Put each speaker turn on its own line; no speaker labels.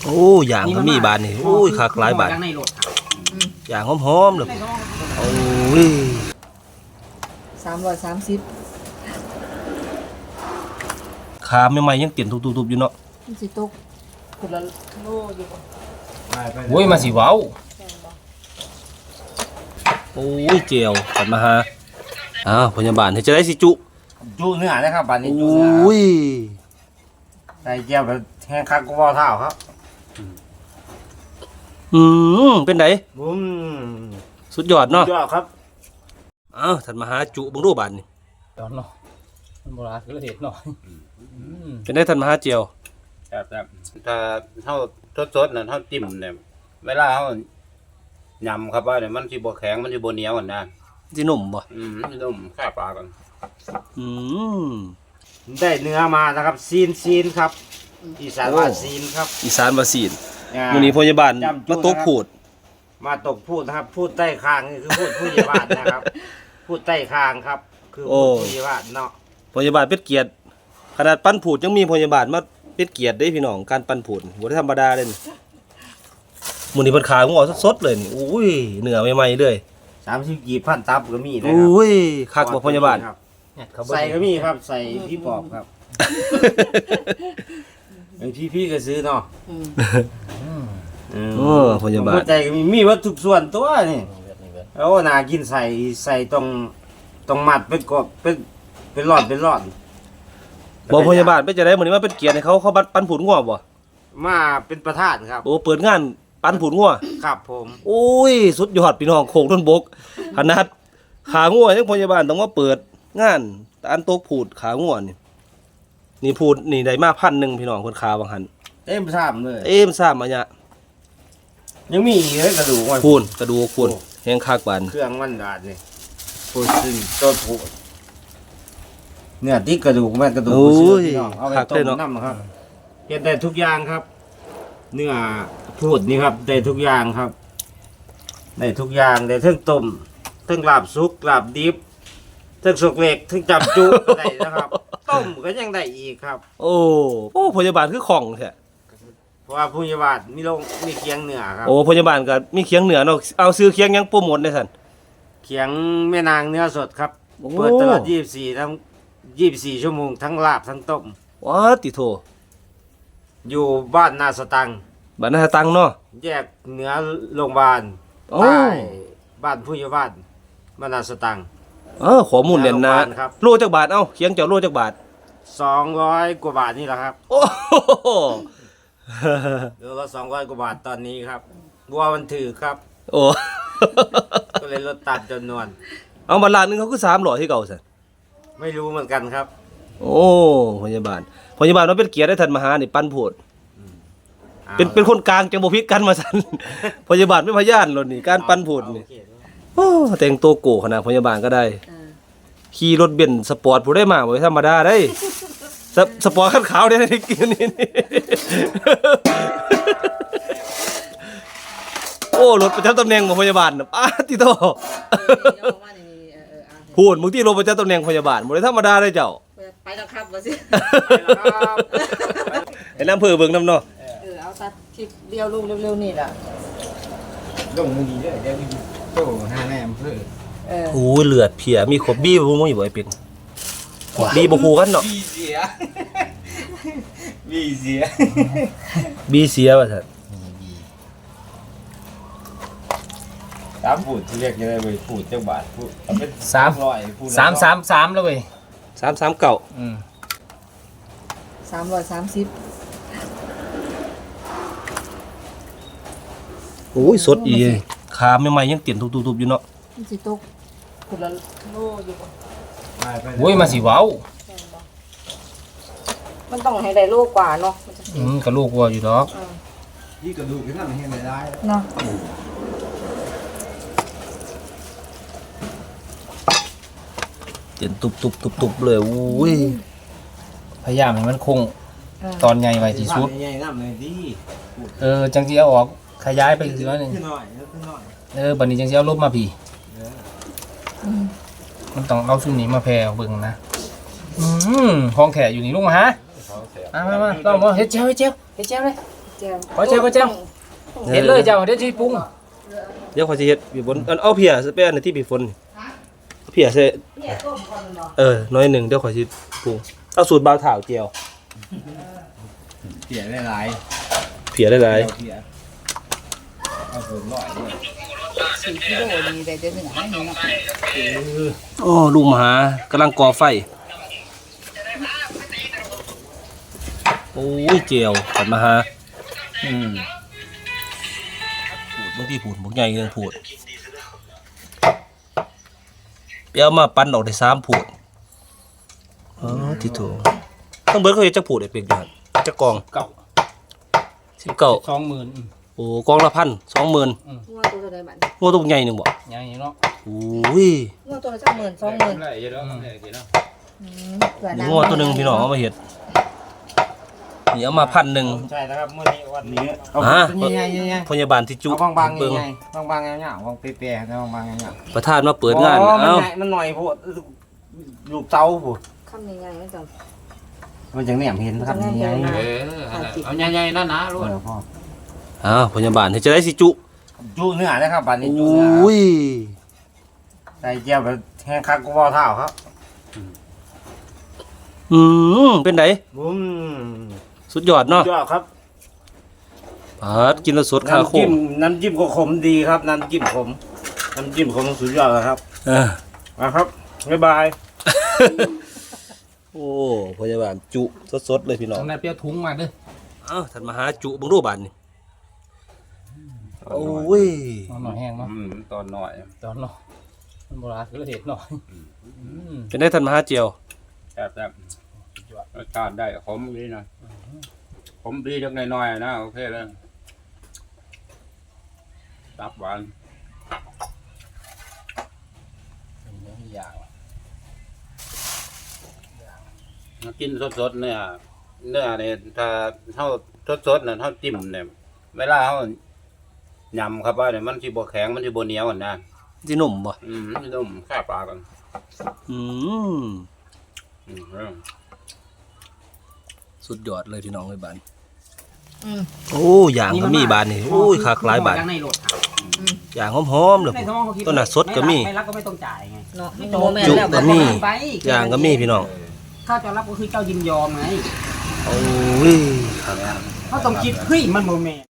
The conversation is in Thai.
โอ้อย่างก็มีบานนี่โอ้ยคักหลายบาทอย่างหอมๆเลยโอ้ย
330
ขาใหม่ๆยังเตียนทุบๆอยู่เนาะ
มันสิตกคนละโลอยู่บ่
โอ้ยมาสิเว้า
โอ้ยเจียวขันมาหาพยาบาลเฮ็ดจะได้สิจุ
เนื้อนะครับบานนี้
โอ
จุเนื้
้ย
ใส่เจียวแบบแห้งคักก็บ่เท่าครับ
เป็นไดสุดยอดเนาะ
ยอดครับ
ท่านมาหาจุบังรูบานนี่
ตอนเนาะมันโบราณก็เห็ดหน่อย
เป็นได้ท่านมาหาเจียว
แต่ถ้าเท่าสดๆน่ะเท่าจิ้มเนี่ยเวลาเฮายำครับว่าเนี่ยมันสิบ่แข็งมันสิบ่เหนียวกันนะ
สิหนุ่มบ่
นุ่มแค่ปลากัน
ได้เนื้อมานะครับซีนครับอีสานว่าซีนครับ
อีสานว่าซีนมื้อนี้พยาบาลมาตกพูด
นะครับพูดใต้คางนี่คือพูดผู้ใหญ่บ้านนะครับพูดใต้คางครับคือผู้ใหญ่บ้านเนาะ
พยาบาลเป็นเกียรติขนาดปั้นผูดยังมีพยาบาลมาเป็นเกียรติได้พี่น้องการปั้นผูดบ่ได้ธรรมดาเลยมื้อนี้เพิ่นขายหัวสดๆเลยนี่อุ้ยเนื้อใหม่ๆเลย
30กี่พันตับก็มีนะครับ
อุ้ยคักบ่พยาบาล
ใส่ก็มีครับใส่พี่ปอบครับไอ้พี่ก็ซื้อเนาะ
พยาบาล
ใจก็มีวัตถุส่วนตัวนี่แล้วน่ากินใส่ตรงมัดเป็นกบเป็นหลอด
บ่พยาบาลไปจะได้มื้อนี้มาเป็นเกียรติให้เขาปั้นผูดงัวบ่
มาเป็นประธานครับ
โอ้เปิดงานปั้นผูดงัว
ครับผม
โอ้ยสุดยอดพี่น้องโคกต้นบกขนาดขางัวยังพยาบาลต้องมาเปิดงานอันโตผูดขางัวนี่ผูดนี่ได้มา1,000พี่น้องคนขาบางหัน
เต็มซ้ำเลย
ซ้ำอันเนี้ย
ยังมีอีกกระดูก
คูนกระดูกคูนแห้งคักบาน
เครื่องมันดาดนี่พูดซึ่งต้นผูดเนี่ยที่กระดูกมันกระดูกเอาไปต้มน้ำครับเฮ็ดได้ทุกอย่างครับเนื้อพูดนี่ครับได้ทุกอย่างครับได้ทุกอย่างได้ทั้งต้มทั้งลาบสุกลาบดิบทั้งสุกเล็กทั้งจับจุได้นะครับต้มก็ยังได้อีกครับ
โอ้พยาบาลคือของแท้
เพราะว่าพยาบาลมีเคียงเหนือครับ
โอ้พยาบาลก็มีเคียงเหนือเนาะเอาซื้อเคียงยังโปรโมทได้ซั่น
เคียงแม่นางเนื้อสดครับเปิดตลอด24ทั้ง24ชั่วโมงทั้งลาบทั้งต้ม
ว้าติโท
อยู่บ้านนาสตัง
บ้านนาสตังเนาะ
แยกเหนือโรงพยาบาลใต้บ้านผู้ใหญ่บ้านนาสตัง
ข้อมูลเด่นนะโลจักบาทเคียงเจ้าโลจักบาท
200กว่าบาทนี่แหละครับ
โอ้
โลละ200กว่าบาทตอนนี้ครับบัวมันถือครับ
โอ้
ก็เลยลดตามจำนวน
เอามาล้านนึงเขาคือ300ที่เก่าซั่น
ไม่รู้เหมือนกันครับ
โอ้พยาบาลมันเป็นเกียรติได้ท่านมหานี่ปั้นโพดเป็นคนกลางจังบ่ผิดกันมาซั่นพยาบาลเป็นพยานโลดนี่การปั้นโพดนี่โอ้แต่งตัวโกขนาดพยาบาลก็ได้ขี่รถเบนซ์สปอร์ตผู้ได้มาบ่ธรรมดาได้สปอร์ตคันขาวได้กินนี่โอ้รถประจำตำแหน่งของพยาบาลน่ะติโตพูดมึงที่รถประจำตำแหน่งพยาบาลบ่ได้ธรรมดาได้เจ้า
ไปแล้วครับว่าสิ
ไอ้น้ำเพื่อเบิ่งน้ำเนาะ
เอาตัดคลิปเดียวลงเร็วๆนี่ล่ะ
ลงมือดีเด้อเดี๋ยวโตหน้าแม่อำเภอ
โอ้เลือดเพียมีขบบี้บ่มึงอยู่ไอ้เป็ดบี้บ่ฮู้กันเนาะ
บี้เสีย
ว่าซั่น
พูดที่เรียกยังไงเว้ยพูดจังบาทพูดเป็น
300พูด333แล้วเว้ย
339
330
โอ้ยสดอีขาใหม่ๆยังเตียนทุบๆอยู่เนาะ
มันสิตกคนละโลอยู่บ่
โอ้ยมาสิเว้า
มันต้องให้ได้โลกว่าเนาะ
ก็ลูกวัวอยู่ดอก
นี่กระดูกนั่นเห็นได้
เนาะ
เตียนตุบๆเลยอุ้ย
พยายามให้มันคงตอนใหญ่ไว้ที่สุด
ใหญ่น้ำเลยดิ
จังสิเอาออกขยายไปอีกน้อยนึงบัดนี้จังสิเอาลบมาพี่มันต้องเอาซุ่มนี้มาแผ่เบิ่งนะห้องแขกอยู่นี่ลุงมาฮะมาลองมาเฮ็ดเจ้าเลย
แจ่ว
ขอแจ่วขอแจ่ว เห็นเลยเจ้าเดี๋ยวสิปรุง
เดี๋ยวขอยสิเฮ็ดพี่ฝนเอาเพียใส่ไปอันในที่พี่ฝนเอาเพียใส่
เนี่ยต้มก่อนเนาะ
น้อยหนึงเดี๋ยวขอยสิปรุงเอาสูตรบ่าวถ่าวเจียว
เสียได้หลาย
เพียหลาย
เสียเอาส่วนร้อยด้วย
4กิโลนี่ได้แต่หนึ่งให้หนึ่งเนาะ
ๆโอ้ลุงมหากำลังก่อไฟโอ้ยเจียวขันมหาพูดบางทีพูดบ่ใหญ่เรื่องพูดไปเอามาปั้นออกได้3พูดอ๋อที่ถูกต้องเบิดเขาเฮ็ดจักพูดได้เป็นอยู่หั่นจักกอง
เก่า
19
20,000
โอ้กองละ1,000 20,000
งัวตัวเท่าใดบัด
งัวตัวใหญ่หนึงบ่
อย่างนี้เนาะ
โอ้ย
งัวตัวละ10,000 20,000
ได้เยอะแล้วได้กี่เนาะ
เผื่อ
นี่
น้ำ
งัวตัวหนึงพี่น้องเอามาเฮ็ดนี่เอามา1,000
ใช่นะครับมื้อนี้วันนี้เอา
ฮะ
เป็นใหญ่ๆ
พยาบาลที่จุ
เอาบางๆ
เบิ่ง
ใหญ่ๆบางๆเงาๆบางเปียๆนะบางๆเงาๆ
ประธานมาเปิดงาน
อ๋อ
เอ้า
มันหน่อยโพดลูกเต้าโพด
คำใหญ่ๆมันจัง
มันจังแหนมเห็นครับ
จังแหนม
ใหญ่
เห็น
เอาใหญ่ๆนะนะลูก
พ่อ
อ้าวพยาบาลเฮ็ดจะได้สิจุ
จุเนื้อนะครับบัดนี้
โอ
จุเนื้อ้
ย
ใส่เจียวแบบแห้งคักกูบ่เท่าครับ
เป็นได
บุ้ม
สุดยอดเนาะ
ยอดครับ
ปาดกินแล้วสดคาโคม
น้ำจิ้มก็ขมดีครับน้ำจิ้มขมสุดยอดแล้วครับ
เออ
นะครับบ๊ายบาย
โอ้พยาบาลจุสดๆเลยพี่น้อง
ตรงนั้นเปรี้ยวถุงมาเด้อ
เอ้าท่านมาหาจุเบิ่งดูบาดนี่โอ้ย
เอาหน่อยแห้งมั้ง
ตอนหน่อย
ตอนเนาะมันโบราณคือเห็ดหน่อย
เป็นได้ท่านมาหาเจียว
แซ่บรสชาติได้ขมดีหน่อยขมดีจักหน่อยๆนะโอเคเลยตับหวาน
อย่าง
กินสดๆเนี่ยถ้าเท่าสดๆน่ะเท่าจิ้มเนี่ยเวลาเท่ายำครับว่าเนี่ยมันสิบ่แข็งมันสิบ่เหนียวอ่ะนะ
สิหนุ่มบ่
มันนุ่มแค่ปลากัน
อืม
อืม
สุดยอดเลยพี่น้องเอ้ยบาดน
อืม
โอ้อย่างก็มีบาดนี่โอ้ยคักหลายบาด
ในรถครับ
อย่างหอมๆเลย
ในท้องเขาคิด
ต้นน่ะสดก็มี
ไม่รับก็ไม่ต้องจ่ายไง
เนาะ
ไม่
โน
ต้อง
แม่น
จุ
แล้ว
ก็
บัด
มี
ไป
อย่างก็มีพี่น้อง
ถ้าจะรับก็คือเจ้ายินยอมไง
โอ้ย
เขาต้องคิดเฮ้ยมันโมเมน